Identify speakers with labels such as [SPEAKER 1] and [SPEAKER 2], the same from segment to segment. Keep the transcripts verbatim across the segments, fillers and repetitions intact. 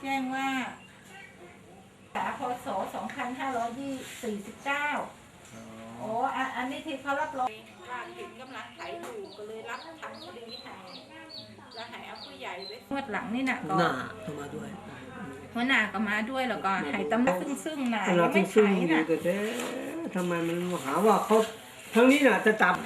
[SPEAKER 1] จ้งว่าสาพศสองพันห้าร้อยสี่สิบเก้าโอ้อันนี้ที่เขารับรองว่าถึงกำลังไถอยู่ก็เลยรับทำคดีให้แล้วให้เอาผู้ใหญ่ไว้งวดหลังนี่น่ะก็
[SPEAKER 2] หน้าเข้ามาด้วย
[SPEAKER 1] หัวหน้าก็มาด้วยแล้วก็ให้ตำรวจซึ่งซึ่งน่ะ
[SPEAKER 2] เรา
[SPEAKER 1] ยังไม่
[SPEAKER 2] ซึ่ง
[SPEAKER 1] ไถ
[SPEAKER 2] ๆอยู่
[SPEAKER 1] น่ะ
[SPEAKER 2] แต่เอ๊ะทำไมมันหาว่าเขาทั้งนี้น่ะจะจับ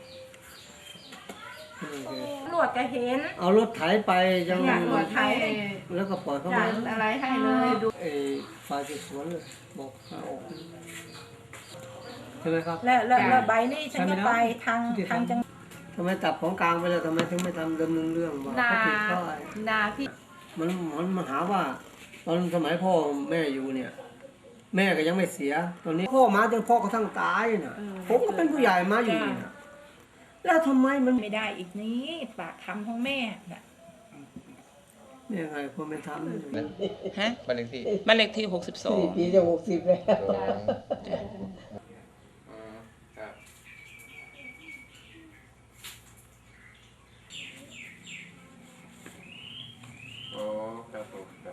[SPEAKER 1] ตำรวจก็เห็น
[SPEAKER 2] เอารถไถไปยัง
[SPEAKER 1] เนี่ยตำรวจไถ
[SPEAKER 2] แล้วก็ปล่อยเข้า
[SPEAKER 1] จั
[SPEAKER 2] มา
[SPEAKER 1] ดอะไรให้เลยดู
[SPEAKER 2] ไอ้ฝ่ายสืบสวนเลยบอกเอาออกใช่ไหมครับ
[SPEAKER 1] แล้วแล้วแล้วใบนี่ฉันก็ไปทางทางจัง
[SPEAKER 2] ทำไมจับของกลางไปแล้วทำไมถึงไม่ทำดำเนินเรื่องว่า
[SPEAKER 3] นา
[SPEAKER 2] เขาผิดเพราะอะไร
[SPEAKER 3] นาพี่
[SPEAKER 2] มันมันมาหาว่า ตอนสมัยพ่อแม่อยู่เนี่ย แม่ก็ยังไม่เสีย ตอนนี้พ่อมาจนพ่อเขาทั้งตายน่ะผมก็เป็นผู้ใหญ่มาอยู่นี่นะแล้วทำไมมัน
[SPEAKER 1] ไม่ได้อีกนี้ปากคำของแม่น่ะ
[SPEAKER 2] เนี่ยไงคนไม่ทำ
[SPEAKER 4] ฮะ
[SPEAKER 5] บ้านเลขที่
[SPEAKER 4] บ้านเลขที่หกสิบสอง
[SPEAKER 2] ปีจะหกสิบแล้ว
[SPEAKER 5] สองอ๋อครับอ๋อครับผมครับ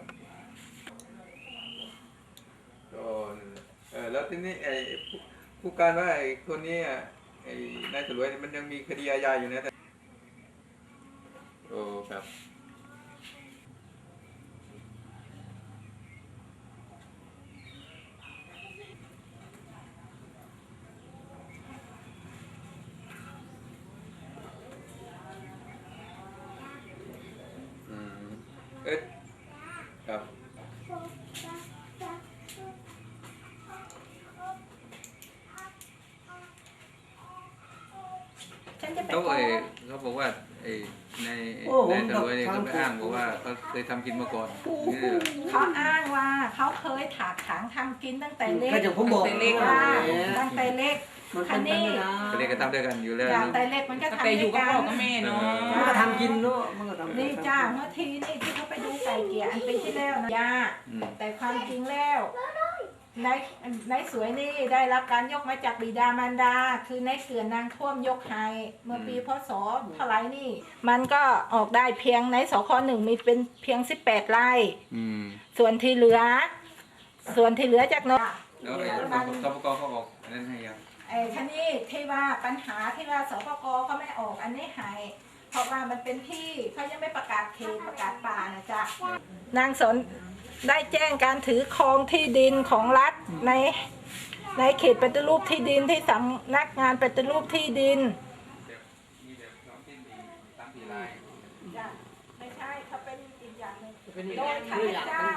[SPEAKER 5] ก็เออแล้วทีนี้ไอ้ผู้ผู้การว่าไอ้คนนี้อ่ะไอ้นายสรวยเนี่ยมันยังมีคดีอาญาอยู่นะแต่โอ้ครับอืมเอ๊ะครับ
[SPEAKER 1] ฉันจะไป
[SPEAKER 5] เขา
[SPEAKER 1] ฟ้อ
[SPEAKER 5] เอง
[SPEAKER 1] ง
[SPEAKER 5] เขาบอกว่าไอ้ใน
[SPEAKER 2] โอ้
[SPEAKER 5] ใน
[SPEAKER 2] ผม
[SPEAKER 5] ตำรวจเนี่ย
[SPEAKER 2] ทำ
[SPEAKER 5] เขาไปอ้างบอกว่าเขาเคยทำกินมาก่อนนี่เหรอ
[SPEAKER 1] เขาอ้างว่าเขาเคยถากถางทำกินตั้งแต่เล็ก
[SPEAKER 2] ก็อย่างผมบอก
[SPEAKER 4] ตั้งแต่เล็ก
[SPEAKER 1] ว่า
[SPEAKER 2] แหม
[SPEAKER 1] ตั้งแต่เล็ก
[SPEAKER 2] มันเป็นไปไม่ได้
[SPEAKER 5] ก็เรียกกันทำด้วยกันอยู่แล้ว
[SPEAKER 1] จาก
[SPEAKER 5] เนอะ
[SPEAKER 1] แต่เล็กมันก็
[SPEAKER 4] ตั้ง
[SPEAKER 1] ทำ
[SPEAKER 4] แต่
[SPEAKER 1] ด้
[SPEAKER 4] อ
[SPEAKER 1] ว
[SPEAKER 4] ยู่
[SPEAKER 1] ย
[SPEAKER 4] กับ
[SPEAKER 1] กั
[SPEAKER 4] พ่อน กับแม่เนาะ
[SPEAKER 2] มันก็ทำกินเนาะมันก็ทำ
[SPEAKER 1] นี่จ้าเมื่อทีนี่ที่เขาไปดูไก่เกลี่ยอันปีที่แล้วนะยา
[SPEAKER 5] อืม
[SPEAKER 1] แต่ความจริงแล้วนายนายสวยนี่ได้รับการยกมาจากบิดามารดา คือนายเกือนนางท่วมยกให้เมื่อปีพศเท่าไหรนี่ มันก็ออกได้เพียงในสคหนึ่งมีเป็นเพียงสิบแปดไร่
[SPEAKER 5] อืม
[SPEAKER 1] ส่วนที่เหลือ ส่วนที่เหลือจากนก
[SPEAKER 5] แล้วไอ้สปกเขาบอกอันนั้นให้ยัง
[SPEAKER 1] ไอ้ท่านี่ที่ว่าปัญหาที่ว่าสปกเขาไม่ออกอันนี้หายเพราะว่ามันเป็นที่เขายังไม่ประกาศเขตประกาศป่านะจ๊ะนางสนได้แจ้งการถือครองที่ดินของรัฐในในเขตปฏิรูปที่ดินที่สำนักงานปฏิรูปที่ดิน
[SPEAKER 5] มีแบบน้องที่มีตามปีลาย
[SPEAKER 1] จ้ะไม่ใช่เขาเป็นอีกอย่างหนึ่ง
[SPEAKER 2] เป็นอีก
[SPEAKER 1] โด
[SPEAKER 2] อย ย่าง
[SPEAKER 1] ข้า
[SPEAKER 2] หนึ่
[SPEAKER 1] พ
[SPEAKER 2] ง
[SPEAKER 1] เจ้า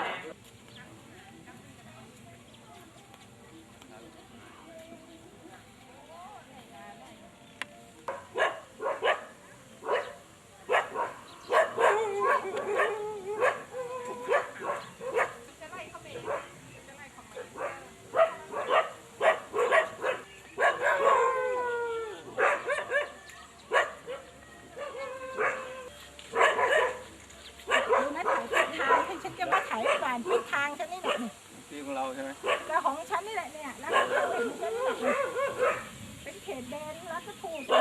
[SPEAKER 1] ดูนะถ่ายทิศทางที่ฉันจะมาถ่ายผ่านทิศทางฉันนี่แหละนี่
[SPEAKER 5] ที่ของเราใช่ไหม
[SPEAKER 1] แล้วของฉันนี่แหละเนี่ยแล้วของฉันเห็นฉันนี่แหละนี่เป็นเขตแดนรัฐถูกเลย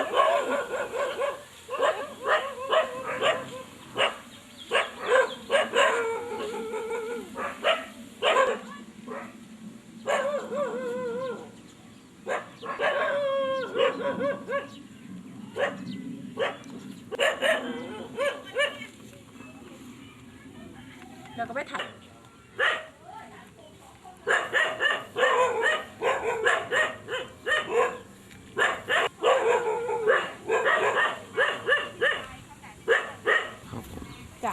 [SPEAKER 1] เราก็ไปถ่ายจ้ะ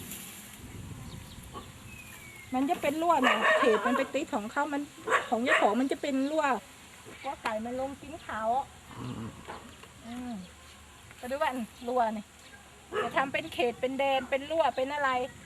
[SPEAKER 1] มันจะเป็นรั่วเนี่ยเขตมันไปติดของเขามันของเจ้าของมันจะเป็นรั่วว่าไก่มันลงกินเขาอืมก็ดูว่ารั่วนี่จะทำเป็นเขตเป็นแดนเป็นรั่วเป็นอะไร